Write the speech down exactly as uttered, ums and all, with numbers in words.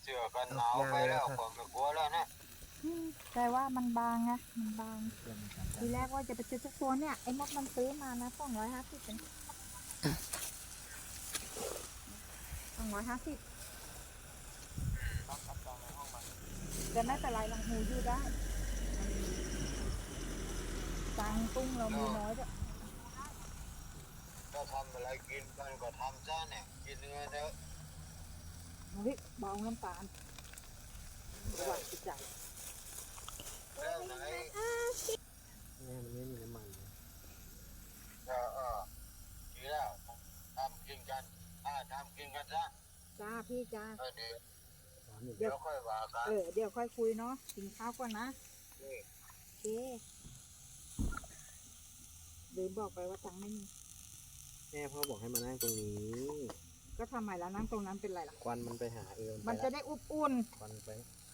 สื้อกันหนาวไปแล้วผมไม่กลัวแล้วนะอืมแต่ว่ามันบางไงมันบางทีแรกว่าจะไปซื้อสักตัวเนี่ยไอ้มดมันซื้อมานะสองร้อยห้าสิบเป็นสองร้อยห้าสิบแต่ไม่เป็นไรหลังหูอยู่ได้ตังค์ตุ้งเรามีน้อยด้วยถ้าทำอะไรกินกันก็ทำซะเนี่ยกินเนื้อเถอะเฮ้ยเบาน้ำตาลระหว่างจิตใจแล้วไหนเนี่ยมันไม่มีน้ำมันเลยเออเออดีแล้วทำกินกันอ่าทำกินกันซะจ้าพี่จ้าเออเดี๋ยวร้อนอยู่เดี๋ยวค่อยว่ากันเออเดี๋ยวค่อยคุยเนาะกินข้าวก่อนนะนี่โอเคลืมบอกไปว่าตังค์ไม่มีแม่พ่อบอกให้มานั่งตรงนี้ก็ทำไมแล้วนั่งตรงนั้นเป็นไรล่ะควันมันไปหาเอิญมันจะได้อุบอุ่นควันไป